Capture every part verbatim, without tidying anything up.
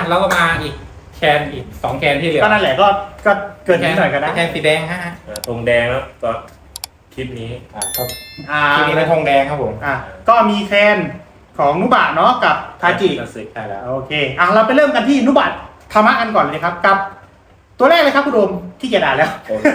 แล้วก็มาอีกแคนอีกสองแคนที่เหลือก็นั่นแหละก็ก็เกินนิดหน่อยกันนะแคนสีแดงฮะอ่าธงแดงแล้วก็คลิปนี้อ่าครับอ่าทีนี้เป็นธงแดงครับผมอ่ะก็มีแคนของนุบะเนาะกับทาจิใช่แล้วโอเคอ่ะเราไปเริ่มกันที่นุบะธรรมะกันก่อนเลยครับกับ ตัวแรกเลยครับคุณโดมที่จะด่าแล้วโอเค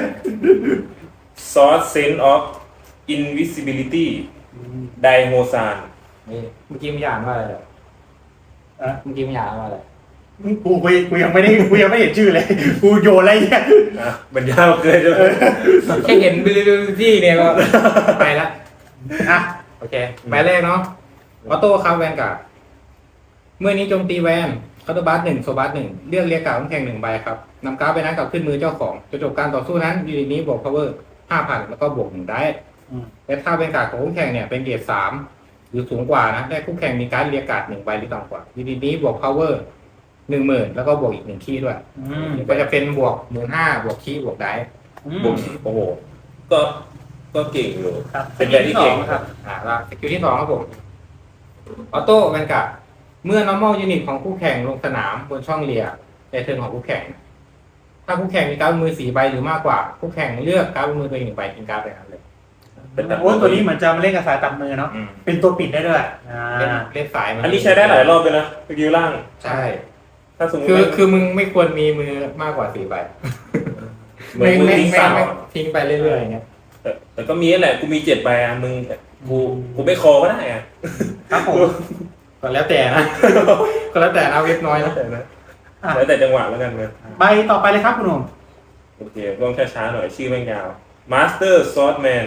Source Sense of Invisibility ไดโฮซานนี่เมื่อกี้มันอ่านว่าอะไรอ่ะอ่ะเมื่อกี้มันอ่านว่าอะไรกูกูกูยังไม่ได้กูยังไม่เห็นชื่อเลย กูโยนอะไรเนี่ยอ่ะมันยาวเกินเลยแค่เห็นบิลิบิลิตี้เนี่ยก็ไปละอ่ะโอเคใบแรกเนาะออโต้ครับแวนการ์ดเมื่อนี้โจมตีแวนคาร์ดบัสหนึ่งโซบัสหนึ่งเลือกเรียกการ์ดของแข่งหนึ่งใบครับนำการ์ดไปนั้นกลับขึ้นมือเจ้าของจนจบการต่อสู้นั้นยูนิตนี้บวก power ห้าพันแล้วก็บวกหนึ่งได้และถ้าเป็นการ์ดของคู่แข่งเนี่ยเป็นเกรดสามหรือสูงกว่านะได้คู่แข่งมีการ์ดเรียกการ์ดหนึ่งใบหรือต่ำกว่ายูนิตนี้บวก power หนึ่งหมื่นแล้วก็บวกอีกหนึ่งคีย์ด้วยอืมก็จะเป็นบวกหมื่นห้าบวกคีย์บวกได้อืมบุกโอ้โหก็ก็เก่งอยู่ครับเป็นแบบที่เก่งครับอ่าแล้วสกิลที่สองครับผมออโต้แวนการ์ดเมื่อ normal unit ของคู่แข่งลงสนามบนช่องเลียในเทิร์นของคู่แข่ง ถ้าคู่แข่งมีการ์ดบนมือสี่ใบหรือมากกว่าคู่แข่งเลือกการ์ดบนมือตัวเองหนึ่งใบทิ้งการ์ดไปนั้นเลยเป็นแบบโอ้ยตัวนี้เหมือนจะมาเล่นกับสายตัดมือเนาะอืมเป็นตัวปิดได้ด้วยอ่าเล่นเล่นสายมัอันนี้ใช้ได้หลายรอบเลยนะสกิลล่างใช่ถ้าสมมติคือว่าคือมึงไม่ควรมีมือมากกว่าสี่ใบเหมือนมึงไม่ทิ้งไม่สาวไม่ทิ้งไปเรื่อยๆอย่างเงี้ยแต่แต่ก็มีนั่นแหละกูมีเจ็ดใบอ่ะมึงกูกูไม่คอก็ได้อ่ะครับผมก็แล้วแต่นะ ก็แล้วแต่นะเว็บน้อยนะแต่นะอ่ะแล้วแต่จังหวะแล้วกันนะใบต่อไปเลยครับคุณหนุ่มโอเคต้องช้าๆหน่อยชื่อแม่งยาว Master Swordman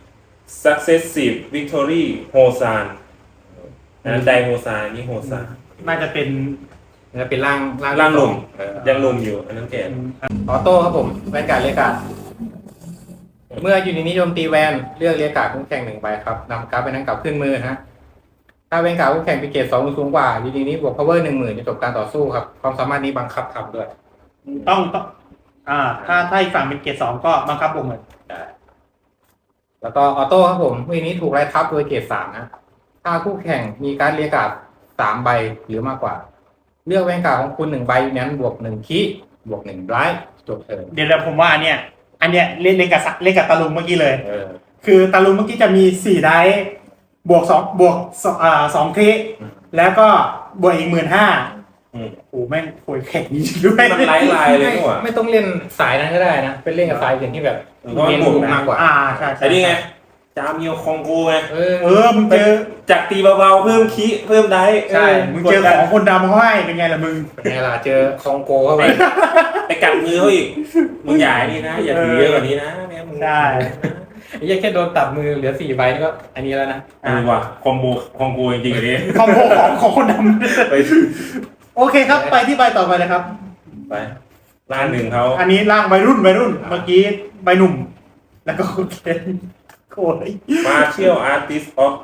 Successive Victory Hosan อันนั้นไดโฮซานนี่โฮซานน่าจะเป็นจะเป็นร่างร่างหนุ่มเออยังหนุ่มอยู่ อันนั้นแก่ออโต้ครับผมแวนการ์ดเรียกการ์ดเมื่อยูนิตนิยมตีแวนเลือกเรียกการ์ดคู่แข่งหนึ่งใบครับนำการ์ดไปนั้นกลับขึ้นมือฮะถ้าเป็นการ์ดคู่แข่งเป็นเกรดสองหรือสูงกว่ายูนิตนี้บวก power หนึ่งหมื่นจะจบการต่อสู้ครับความสามารถนี้บังคับทำด้วยต้องต้องอ่า ถ้าถ้าอีกฝั่งเป็นเกรดสองก็บังคับบวกเหมือนแล้วก็ออโต้ครับผมเมื่อนี้ถูกไล่ทับโดยเกรดสามนะถ้าคู่แข่งมีการดเรียกการ์ดสามใบหรือมากกว่า เลือกแวนการ์ดของคุณหนึ่งใบนั้นบวกหนึ่งคีบวกหนึ่งไลท์จบเทิร์นเดี๋ยวเราผมว่าอันเนี้ยอันเนี้ยเล่นเล่นกับสะเล่นกับตาลุงเมื่อกี้เลยเออคือตาลุงเมื่อกี้จะมีสี่ได้บวกสองบวกสองอ่าสองคลิแล้วก็บวกอีกหมื่นห้าอืมโอ้แม่งโคยแข็งจริงๆด้วยมันไล่ลายเลยนี่หว่าไม่ต้องเล่นสายนั้นก็ได้นะเป็นเล่นกับสายอื่นที่แบบเพราะมันเน้นบวกบุกนะมากกว่าอ่าใช่ใช่ไอ้นี่ไง จามิโอคองโกไงเออเออมึงเจอจากตีเบาๆเพิ่มคีเพิ่มได้ใช่มึงเจอของคนดำเขาให้เป็นไงล่ะมึงเป็นไงล่ะเจอคองโกเข้าไปไปกัดมือเขาอีก มึงอย่าไอ้นี่นะ อย่าถือเยอะกว่านี้นะแม่มึงใช่ไอ้เหี้ยังแค่โดนตัดมือเหลือสี่ใบนี่ก็อันนี้แล้วนะเออว่ะคอมโบคอมโบจริงๆอันนี้คอมโบของของคนดไปำโอเคครับไปที่ใบต่อไปเลยครับไปร้านหนึ่งเขาอันนี้ร่างวัยรุ่นวัยรุ่น เมื่อกี้ใบหนุ่ม แล้วก็โอเคโอ้ย Martial Artist of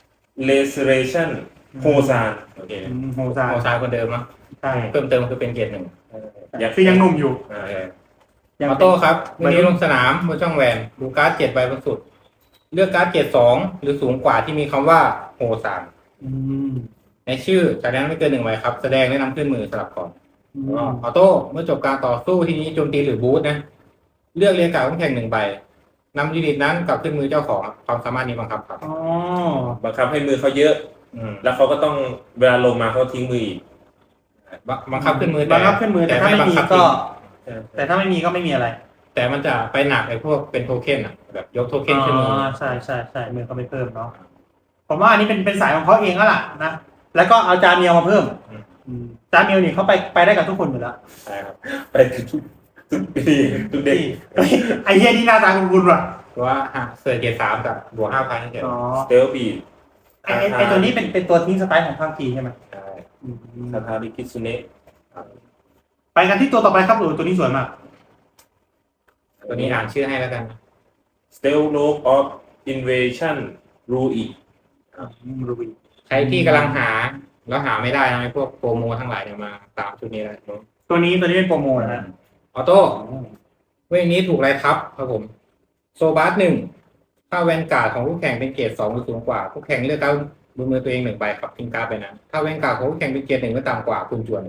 Restoration โฮซานโอเคโหซาโมซาคนเดิมเนาะใช่เพิ่มเติมคือเป็นเกียรติหนึ่งคือยังหนุ่มอยู่อ่าโอเคออโต้ครับวันนี้ลงสนามบนช่องแวนดูการ์ดเจ็ดใบบนสุด เลือกการ์ดเจ็ดสองหรือสูงกว่าที่มีคำว่าโฮซานอืมในชื่อจากนั้นไม่เกินหนึ่งใบครับ แสดงและนำขึ้นมือสลับก่อนอือมอโต้เมื่อจบการต่อสู้ทีนี้โจมตีหรือบูทนะ เลือกเรียกการ์ดคู่แข่งหนึ่งใบนำยูนิตนั้นกลับขึ้นมือเจ้าของความสามารถนี้บังคับครับอ๋อบังคับให้มือเขาเยอะอืมแล้วเขาก็ต้องเวลาลงมาเขาทิ้งมืออีกบังบังคับขึ้นมือบังคับขึ้นมือแต่ถ้าไม่บังมีคับก็จริงแต่ถ้าไม่มีก็ไม่มีอะไรแต่มันจะไปหนักไอ้พวกเป็นโทเค็นอ่ะแบบยกโทเค็นขึ้นมืออใช่ใช่ใช่มือเขาไม่เพิ่มเนาะผมว่าอันนี้เป็นเป็นสายของเขาเองแล้วล่ะนะแล้วก็เอาจาเมียวมาเพิ่มอืมจาเมียวนี่เขาไปไปได้กับทุกคนอยู่แล้วใช่ครับไปทุกทุกปีทุกเด็กเฮ้ยไอ้เหี้ยนี่หน้าตาคุ้นๆว่ะเพราะว่าฮะเสือเกียร์สามกับบวกห้าพันเฉยอ๋อสเตลบีดไอ้ไอ้ไอ้ตัวนี้เป็นเป็นตัวทิ้งสไตล์ของภาคจีนใช่ไหมใช่อืมคาทาริคิซุเนะไปกันที่ตัวต่อไปครับหนูตัวนี้สวยมากตัวนี้อ่านชื่อให้แล้วกันสเตลโลกออฟอินเวชั่นรูอีรูบีใครที่กำลังหาแล้วหาไม่ได้นะไอ้พวกโปรโมทั้งหลายเนี่ยมาตามชุดนี้เลยตัวนี้ตัวนี้เป็นโปรโมทนะออโต้เวทนี้ถูกไล่ทับครับผม โซบาสหนึ่งถ้าแวนการ์ดของคู่แข่งเป็นเกรดสองหรือสูงกว่าคู่แข่งเลือกการดบนมือตัวเองหนึ่งใบครับทิ้งการ์ดไปนั้นถ้าแวนการ์ดของคู่แข่งเป็นเกรดหนึ่งหรือต่ำกว่าคุณจวน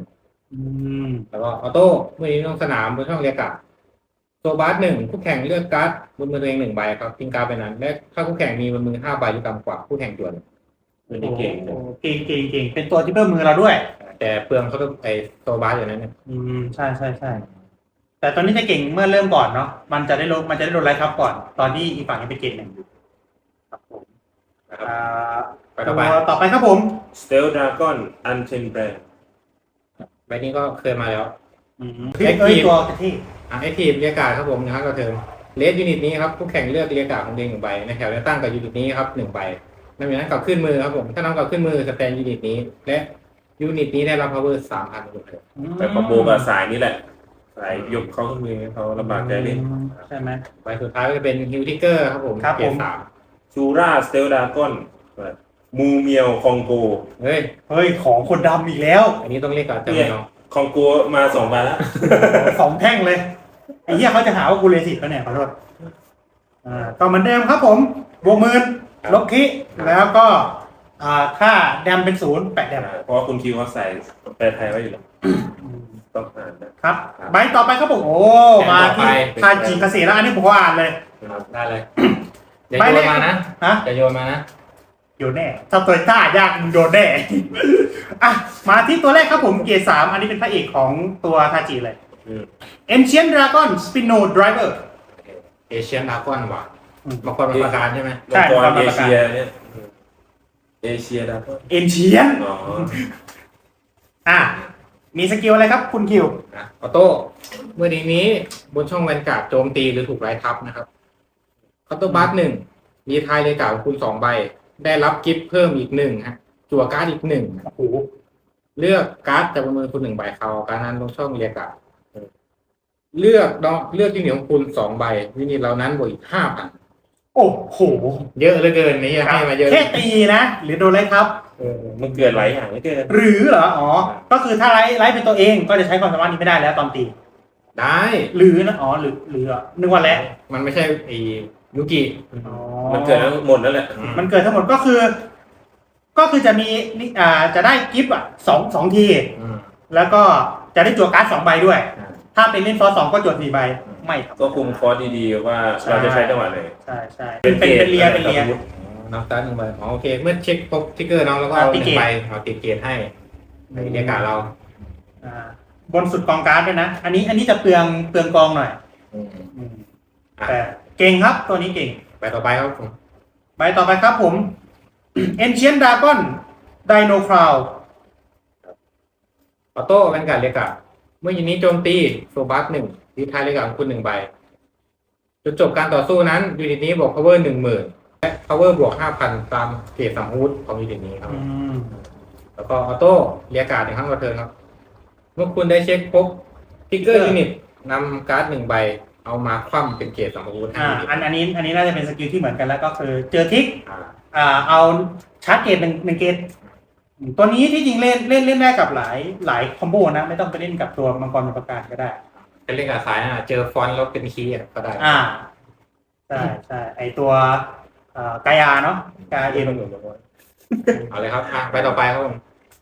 อืมแล้วก็ออโต้เมื่อนี้ลงสนามบนช่องเรียกการ์ดโซบาสหนึ่งคู่แข่งเลือกการ์ดบนมือตัวเองหนึ่งใบครับทิ้งการ์ดไปนั้นและถ้าคู่แข่งมีบนมือห้าใบหรือต่ำกว่าคู่แข่งจวนตัวนี้เก่งโอ้นะโหเก่งเก่งเก่งเป็นตัวที่เพิ่มมือเราด้วยแต่เปลืองเขาต้องไอโซบาสอยู่นั้นเนี่ยอืมใช่ใช่ใช่แต่ตอนนี้จะเก่งเมื่อเริ่มก่อนเนาะมันจะได้ลงมันจะได้โดนไลท์ครับก่อน ตอนที่อีกฝั่งยังเป็นเกรดหนึ่งอยู่ครับผมนะครับอ่าไปต่อไปตัวต่อไปครับผมสเตลดราก้อนอันเทนแบรนด์ใบนี้ก็เคยมาแล้วอืมเอ้ยเอ้ยตัวที่อ่ะไอทีมเรียกการ์ดครับผมนะครับก็เทิมเลสยูนิตนี้ครับคู่แข่งเลือกเรียกการ์ดของตัวเองหนึ่งใบในแถวเลือกตั้งกับยูนิตนี้ครับหนึ่งใบนำอย่างนั้นกลับขึ้นมือครับผมถ้านำกลับขึ้นมือสแตนยูนิตนี้ และยูนิตนี้ได้รับ power สามพันหมดเลยแต่คอมโบกับสายนี่แหละ สายยกเขาขึ้นมือให้เขาลำบากใจเล่นใช่ไหมใบสุดท้ายก็จะเป็นฮิวทิกเกอร์ครับผมครับเกรผดมสามชูราสเตลดราก้อนมูเมียวคองโกเฮ้ยเฮ้ยของคนดำอีกแล้วอันนี้ต้องเรียกการ์ดจำเนี่ยเนาะคองโกมาสองใบแล้วสองแท่งเลยไอ้เหี้ยเขาจะหาว่ากูเลสิตแล้วเนี่ยขอโทษอ่าก็เหมือนเดิมครับผมบวกหมื่นลบคิแล้วก็อ่าค่าแดมเป็นศูนย์แปดแดมเพราะว่าคุณคิวเขาใส่แปลไทยไว้อยู่แล้วต้องอ่านนะครับใบต่อไปครับผมโอ้มาที่ทาจิเกษตรแล้วอันนี้ผมก็อ่านเลยนะครับได้เลยอย่าใบโยแรนกมานะฮะอย่าโยนมานะโยนแน่ถ้าตัวต้ายากมึงโดนแน่ อ่ะมาที่ตัวแรกครับผมเกียร์สามอันนี้เป็นพระเอกของตัวทาจิเลยอืม Ancient Dragon Spino Driver เอเชียนดากอนว่ะอืมบางคนเป็นประการใช่ไหมมังกรเอเชียเนี่ยเอเชียดราก้อน Ancient อ๋ออ่ะมีสกิลอะไรครับคุณคิวนะออโต้เมื่อดีนี้บนช่องแวนการ์ดโจมตีหรือถูกไล่ทับนะครับคอตโตบัสหนึ่งมีทายเลยการ์ดของคุณสองใบ ได้รับกิฟต์เพิ่มอีกหนึ่งฮะจั่วการ์ดอีกหนึ่งโอ้โหเลือกการ์ดจากบนมือคุณหนึ่งใบเขาการนั้นลงช่องเรียกการ์ดเลือกดอกเลือกที่เหนียวของคุณสองใบวินิจเหล่านั้นบวกอีกห้าพันโอ้โหเยอะเหลือเกินนี่ให้มาเยอะแค่ตีนะ หรือโดนไล่ครับเออมันเกิดหลายอย่างไม่เกินหรือเหรอ อ๋อ ก็คือถ้าไล่ไล่เป็นตัวเองก็จะใช้ความสามารถนี้ไม่ได้แล้วตอนตีได้หรือนะ อ๋อ หรือหรือเหรอนึกว่าแล้วมันไม่ใช่ไอ้ยูกิอ๋อมันเกิดทั้งหมดนั่นแหละมันเกิดทั้งหมดก็คือ ก็คือจะมีนี่อ่าจะได้กิฟต์อ่ะสองสองทีอืมแล้วก็จะได้จั่วการ์ดสองใบด้วยอ่าถ้าเป็นเล่นฟอสสองก็จั่วสี่ใบ ไม่ครับก็คุมคอร์สดีๆว่าเราจะใช้จังหวะไหนใช่ใช่เป็นเป็นเป็นเลียเป็นเลียนับสตาร์ทหนึ่งใบอ๋อโอเค เมื่อเช็คพบทิกเกอร์น้องแล้วก็เอาอ่าหตินึ่เกงตใบเอาติดเกตให้ในเรียกการ์ดเราอ่าบนสุดกองการ์ดด้วยนะ อันนี้อันนี้จะเปลืองเปลืองกองหน่อยอืมอืมอ่ะแต่เก่งครับตัวนี้เก่งไปต่อไปครับผมใบต่อไปครับผม Ancient Dragon Dino Crown ออโต้เป็นการดเรียกการ์ดเมื่อยูนิตโจมตีโซบัสหนึ่งดีทายเรียกการ์ดของคุณหนึ่งใบจนจบการต่อสู้นั้นยูนิตนี้บวก power หนึ่งหมื่นและ power บวกห้าพันตามเกรดสามฮูดของยูนิตนี้ครับอืมแล้วก็ออโต้เรียกการ์ดหนึ่งครั้งต่อเทิร์นครับ เมื่อคุณได้เช็คพบทิกเกอร์ยูนิตนำการ์ดหนึ่งใบ เอามาคว่ำเป็นเกรดสามฮูดให้อ่ายูนิตอันอันนี้อันนี้น่าจะเป็นสกิลที่เหมือนกันแล้วก็คือเจอทิกอ่าอ่าเอาชาร์จเกตหนึ่งหนึ่งเกตตัวนี้ที่จริงเล่นเล่นเล่นได้กับหลายหลายคอมโบนะ ไม่ต้องไปเล่นกับตัวมังกรเป็นประกาศก็ได้เป็นเล่นกับสายอ่ะเจอฟอนต์แล้วเป็นคีย์อ่ะก็ได้อ่าใช่ใช่ไอตัวเอ่อกายาเนาะกายาเอ็มเอาเลยครับอ่ะไปต่อไปครับผม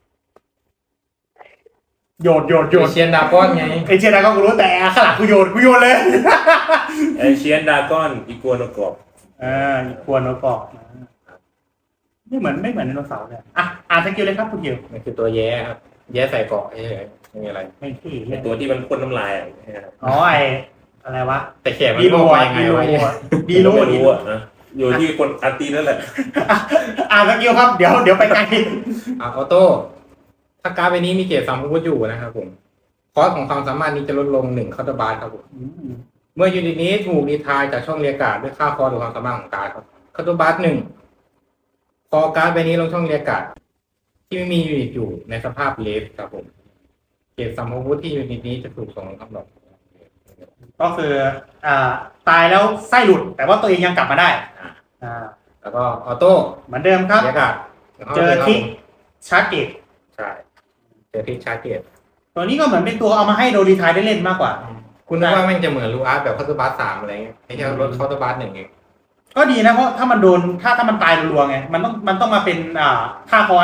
โยนโยนโยนเชียนดาก้อนไงเอเชียดาก็กูรู้แต่ข้างหลังกูโยนกูโยนเลยเอเชียนดากอนอีกัวโนกอบอ่าอีกควรโนกอกนะไม่เหมือนไม่เหมือนไดโนเสาร์เลยอ่ะอ่านสกิลเลยครับคุณคิวมันคือตัวแย่ครับ แย่ใส่เกาะเฉยๆไม่มีอะไรไม่ที่เป็นตัวที่มันพ่นน้ำลายอ่ะอ๋อไออะไรวะแต่แขกมันดีบโลอกมาอ่ะยังไงดีโลวะเนี่ยอ่ะดีโลไม่ดีรู้โลอ่ะนะอยู่ที่คนอาร์ตีนั่นแหละอ่ะอ่านสกิลครับเดี๋ยวเดี๋ยวไปไกลอ่ะออโต้ถ้าการ์ดใบนี้มีเกรดสามฮูดอยู่นะครับผมคอสของความสามารถนี้จะลดลงหนึ่งคาร์ดบาร์ครับผมอืมเมื่อยูนิตนี้ถูกดีทายจากช่องเรียกการ์ดด้วยค่าคอร์หรือความสามารถของการ์ดครับคาร์ดบาร์หนึ่งคอการ์ดใบนี้ลงช่องเรียกการ์ดที่ไม่มียูนิตอยู่ในสภาพเลฟครับผมเกรดสามฮูดที่ยูนิตนี้จะถูกส่งลงคำหลอกก็คืออ่าตายแล้วไส้หลุด แต่ว่าตัวเองยังกลับมาได้อ่าแล้วก็ออโต้เหมือนเดิมครับเรียกการ์ดเจอทิกชาร์จเกตใช่เจอทิกชาร์จเกตตัวนี้ก็เหมือนเป็นตัวเอามาให้โดรีทายได้เล่นมากกว่าคุณนึกว่าแม่งจะเหมือนลูอาร์ตแบบคาร์ดบาร์สามอะไรเงี้ยไอ้แค่ลดคาร์ดบาร์หนึ่งเองก็ดีนะเพราะถ้ามันโดนถ้าถ้ามันตายรัวๆไงมันต้องมันต้องมาเป็นอ่าค่าคอร์ส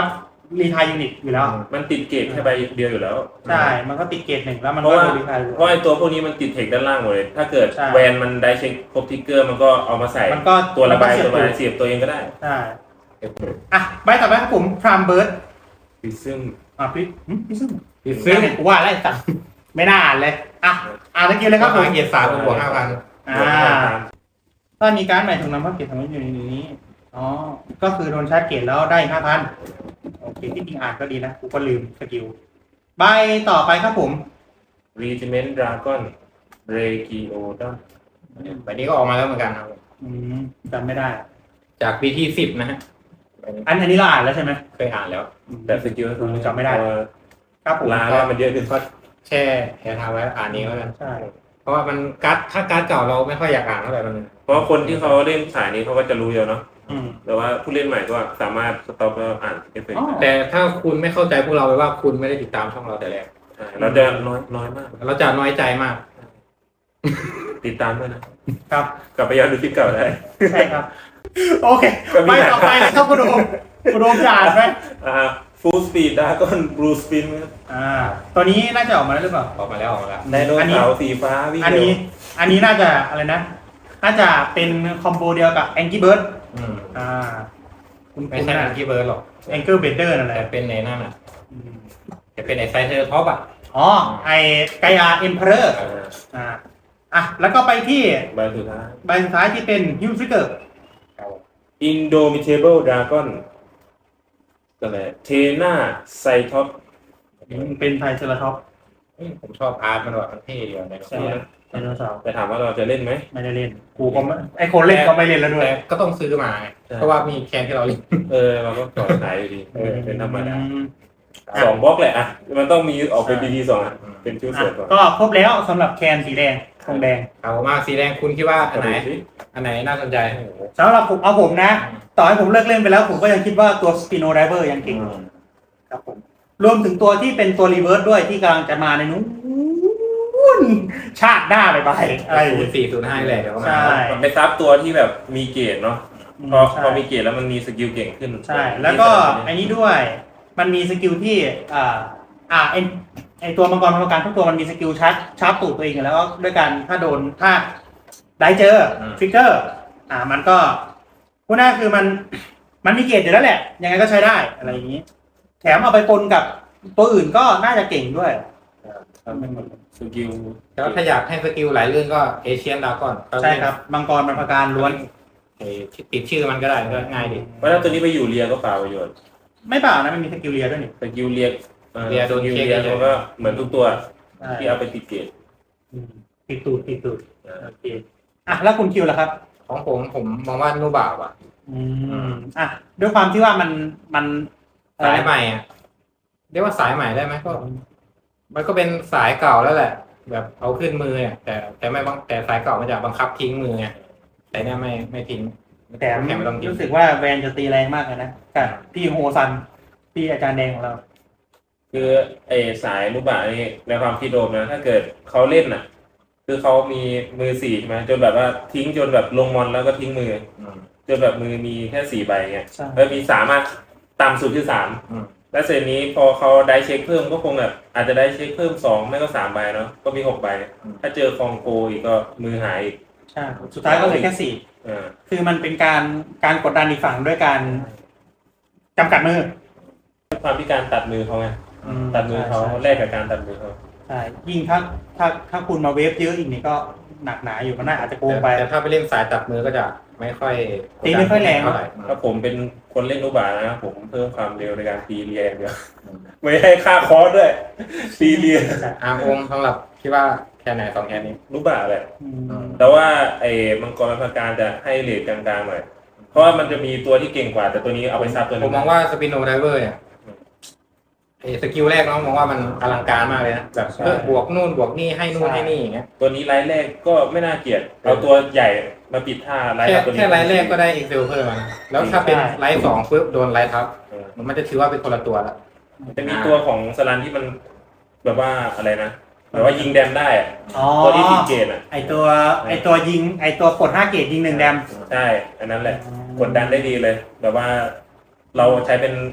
รีทายยูนิตอยู่แล้วมันติดเกรดแค่ใบเดียวอยู่แล้วใช่ มันก็ติดเกรดหนึ่งแล้วมันเพราะก็ว่าโดนรีทายเพราะไอตัวพวกนี้มันติดเทคด้านล่างหมดเลย ถ้าเกิดใช่แวนมันได้เช็คครบทิกเกอร์มันก็เอามาใส่มันก็ตัวระบายมันก็เสียบตัวมาตัวเสียบตัวเองก็ได้ใช่อ่ะใบต่อไปครับผมพรามเบิร์ดซึ่งอ่ะพี่หึพี่ซึ่งปิดซึ่ซึ่งงกูว่าอะไรสักไม่น่าอ่านเลยอ่ะอ่านตะกี้เลยครับผมเกียรติสามบวกห้าพันอ่าถ้ามีการดใหม่ถูกนำเข้าเกรดทำให้อยู่ในนี้อ๋อก็คือโดนชาร์จเกรดแล้วได้ห้าพันโอเคที่จริงอ่านก็ดีนะกูก็ลืมสกิลใบต่อไปครับผมรีจิเมนต์ดราก้อนเรกิโอดัมแบบนี้ก็ออกมาแล้วเหมือนกันครับอืมจำไม่ได้จากปีที่สิบนะฮะอันอันนี้เราอ่านแล้วใช่ไหมเคยอ่านแล้วแต่สกิลก็คือจำไม่ได้ ครับผมลาแล้วมันเยอะขึ้นก็แช่แช่ทางไว้อ่านนี้แล้วกันใช่เพราะว่ามันการ์ดถ้าการ์ดเก่าเราไม่ค่อยอยากอ่านเท่าไหร่มันเพราะคนที่เขาเล่นสายนี้เขาก็จะรู้อยู่เนาะอืมแต่ว่าผู้เล่นใหม่ก็สามารถสต็อปแล้วอ่านเอฟเฟกต์อ๋อได้แต่ถ้าคุณไม่เข้าใจพวกเราไปว่าคุณไม่ได้ติดตามช่องเราแต่แรกใช่เราจะน้อยน้อยมากเราจะน้อยใจมากติดตามด้วยนะครับ กลับไปย้อนดูคลิปเก่าได้ใช่ครับ โอเคก็มีไปต่อไปเลยครับคุณโดมคุณโดมจะอ่านไหมอ่าฟูลสปีดดราก้อนบลูสปินอ่าตัวนี้น่าจะออกมาแล้วหรือเปล่าออกมาแล้วออกมาแล้วไดโนเสาร์สีฟ้าวิ่งอันเร็วนี้ อันนี้น่าจะอะไรนะ น่าจะเป็นคอมโบเดียวกับแองกี้เบิร์ดอืมอ่า คุณไม่คุณใช่นะแองกี้เบิร์ดหรอกแองเกิลเบเดอร์นั่นแหแต่ละเป็นในนั่นอ่ะอืมจะเป็นไอไซเทอร์ท็อปอ่ะอ๋อ ไอไกอาเอ็มเพอร์อ่าอ่า อ่ะ แล้วก็ไปที่ใบสุดท้ายใบสุดท้ายที่เป็นฮิวฟิกเกอร์อินโดมิเทเบิลดราก้อนก็เลยเทน่าไซท็อปเป็นไทรเซราท็อปส์ผมชอบอาร์ตมันว่ะมันเท่ดีว่ะในใช่ไดโนเสาร์แต่ถามว่าเราจะเล่นไหมไม่ได้เล่น กูก็ไม่ไอคนเล่นก็ไม่เล่นแล้วด้วยแต่ก็ต้องซื้อมาไงใช่เพราะว่ามีแคนที่เราเล่นเออเราก็ต่อสายอยู่ดีเออเป็นธรรมดาอืมสองบล็อกแหละอ่ะมันต้องมีออกเป็นบีทีสองอ่ะเป็นชุดอ่ะเสริมก่อนก็ครบแล้วสำหรับแคนสีแดงทองแดงเอามาสีแดงคุณคิดว่าอันไหนดูสิอันไหนน่าสนใจสำหรับผมเอาผมนะ ต่อให้ผมเลิกเล่นไปแล้ว ผมก็ยังคิดว่าตัวสปิโนไดเวอร์ยังเก่งครับผมรวมถึงตัวที่เป็นตัวรีเวิร์สด้วยที่กำลังจะมาในนู้นชาติหน้าไปไปอะไรอย่างศูนเงี้ยย์สี่ศูนย์ห้าแหละเดี๋ยวก็มาใช่มันไปซับตัวที่แบบมีเกรดเนาะพอใช่พอมีเกรดแล้วมันมีสกิลเก่งขึ้นใช่ แล้วก็ไอ้นี้ด้วย มันมีสกิลที่อ่าอ่าไอไอตัวมังกรพลังการทุกตัวมันมีสกิลชาร์จชาร์จตูดตัวเองอยู่แล้วด้วยกันถ้าโดนถ้าได้เจอฟิกเกอร์ อ่า มันก็พูดง่ายๆคือมัน มันมีเกรดอยู่แล้วแหละ ยังไงก็ใช้ได้อะไรอย่างนี้ แถมเอาไปปนกับตัวอื่นก็น่าจะเก่งด้วยสกิลแล้วถ้าอยากให้สกิลหลายเรื่องก็เอเชียนดาก้อนใช่ครับมังกรมันประการล้วนไอ้ที่ติดชื่อมันก็ได้ก็ง่ายดีเพราะถ้าตัวนี้ไปอยู่เรียก็เปล่าประโยชน์ไม่เปล่านะมันมีสกิลเลียด้วยนี่สกิลเรียอ่อเรียโดนสกิลเช็คเรียเยอะมันก็เหมือนทุกตัวใช่ที่เอาไปติดเกรดอืมติดตูดติดตูดโอเคอ่ะแล้วคุณคิวล่ะครับของผมผมมองว่านูบ่าวอ่ะอืมอ่ะด้วยความที่ว่ามันมันสายใหม่อ่ะเรียกว่าสายใหม่ได้ไหมก็ มันก็เป็นสายเก่าแล้วแหละ แบบเอาขึ้นมือเนี่ยแต่แต่ไม่บังแต่สายเก่ามันจะบังคับทิ้งมือไงแต่เนี่ยไม่ไม่ทิ้งแถมแถมไม่ต้องทิ้งรู้สึกว่าแวนจะตีแรงมากเลยนะกับพี่โฮซันพี่อาจารย์แดงของเราคือไอสายลูกบาศก์นี่ในความคิดโดมนะถ้าเกิดเขาเล่นน่ะ คือเขามีมือสี่ใช่ไหมจนแบบว่าทิ้งจนแบบลงมอนแล้วก็ทิ้งมืออืมจนแบบมือมีแค่สี่ใบเงี้ยใช่แล้วมีสามารถต่ำสุดคือสามอืมแล้วเสร็จนี้พอเขาได้เช็คเพิ่มก็คงแบบอาจจะได้เช็คเพิ่มสองไม่ก็สามใบเนาะก็มีหกใบ ถ้าเจอคองโกอีกก็มือหายอีกใช่สุดท้ายก็เหลยแค่สี่อ่าคือมันเป็นการการกดดันอีกฝั่งด้วยการจำกัดมือความพิการตัดมือเขาไงอืมตัดมือเขาใช่แลกกับการตัดมือเขาใช่ยิ่งถ้าถ้าถ้าคุณมาเวฟเยอะอีกนี่ก็หนักหนาอยู่มันน่าอาจจะโกงไปแต่ถ้าไปเล่นสายตัดมือก็จะไม่ค่อยตีไม่ค่อยแรงเท่าไหร่ถ้าผมเป็นคนเล่นลูกบาศก์นะผมเพิ่มความเร็วในการตีเรียอย่างเดียวไม่ให้ค่าคอร์สด้วยตีเรียอาร์มองสำหรับคิดว่าแค่ไหนสองแค่นี้ลูกบาศก์แหละอืมแต่ว่าไอ้มังกรพาการจะให้เรทกลางๆหน่อย เพราะว่ามันจะมีตัวที่เก่งกว่า แต่ตัวนี้เอาไปซับตัวผนึมงมองว่าสปินโนไดเวอร์เนี่ยไอ้สกิลแรกน้องมองว่ามันอลังการมากเลยนะแบบเพิ่มบวกนู่นบวกนี่ให้นู่นให้นี่อย่างเงี้ยตัวนี้ไลท์แรกก็ไม่น่าเกลียด เอาตัวใหญ่มาปิดท่าไลท์แค่กับตัวนี้แค่ไลท์แรกก็ได้เอ็กเซลเพิ่มมานะแล้วถ้าเป็นไลท์สองปุ๊บโดนไลท์ทับเออมันจะถือว่าเป็นคนละตัวละจะมีตัวของสลันที่มันแบบว่าอะไรนะแบบว่ายิงแดมได้อะอ๋อตัวที่ติดเกตอ่ะไอตัวไอตัวยิงไอตัวกดห้าเกตยิงหนึ่งแดมใช่ อันนั้นแหละ กดดันได้ดีเลย แบบว่าเราใช้เป็น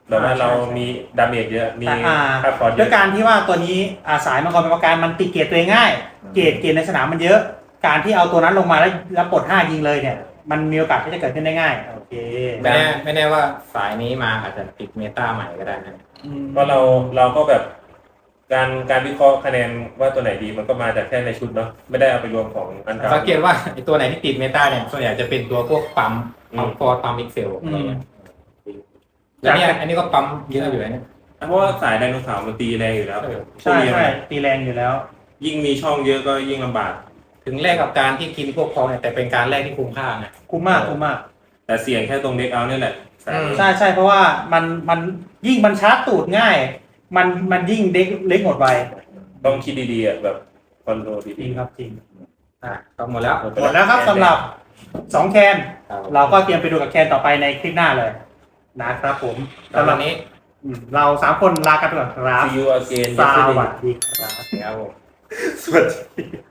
แบบว่าอ่าใช่เราใช่มีดาเมจเยอะ มีอ่าค่าคอร์สเยด้วยอะการที่ว่าตัวนี้อาสายมังกรเป็นประการมันตีเกรดตัวเองง่าย เกรดเกรดในสนามมันเยอะ การที่เอาตัวนั้นลงมาแล้วแล้วปลดห้ายิงเลยเนี่ย มันมีโอกาสที่จะเกิดขึ้นได้ง่ายโอเคไม่แน่ไม่แน่ว่าสายนี้มาอาจจะติดเมตาใหม่ก็ได้นะเพราะเราเราก็แบบการการวิเคราะห์คะแนนว่าตัวไหนดีมันก็มาจากแค่ในชุดเนาะไม่ได้เอาไปรวมของอันเก่าสังเกตว่าไอตัวไหนที่ติดเมตาเนี่ยส่วนใหญ่จะเป็นตัวพวกปั๊มอืมปั๊มฟอร์ปั๊มมิกเซลอะไรเงี้ยแล้วเนี่ยอันนี้ก็ปั๊มเยอะอยู่นะเนี่ยเพราะว่าสายไดโนเสาร์มันตีแรงอยู่แล้วใช่ใช่ตีแรงอยู่แล้วยิ่งมีช่องเยอะก็ยิ่งลำบากถึงแรกกับการที่กินพวกเขาเนี่ยแต่เป็นการแรกที่คุ้มค่าไงคุ้มมากคุ้มมากแต่เสี่ยงแค่ตรงเด็กเอาเนี่ยแหละสายอืมใช่ใช่เพราะว่ามันมันยิ่งมันชาร์จตูดง่าย มันมันยิ่งเด็กเล็กหมดไวต้องคิดดีๆอ่ะแบบคอนโทรลจริดีงครับจริงอ่ะก็หมดแล้วๆหมดแล้วครับสำหรับสองแคนครับเราก็เตรียมไปดูกับแคนต่อไปในคลิปหน้าเลยนะครับผมสำสำหหรัรับบ นี้อืมเราสามคนลากันไปก่อนครับ See you again ส yesterday วัสดีครับครับผมสวัสดี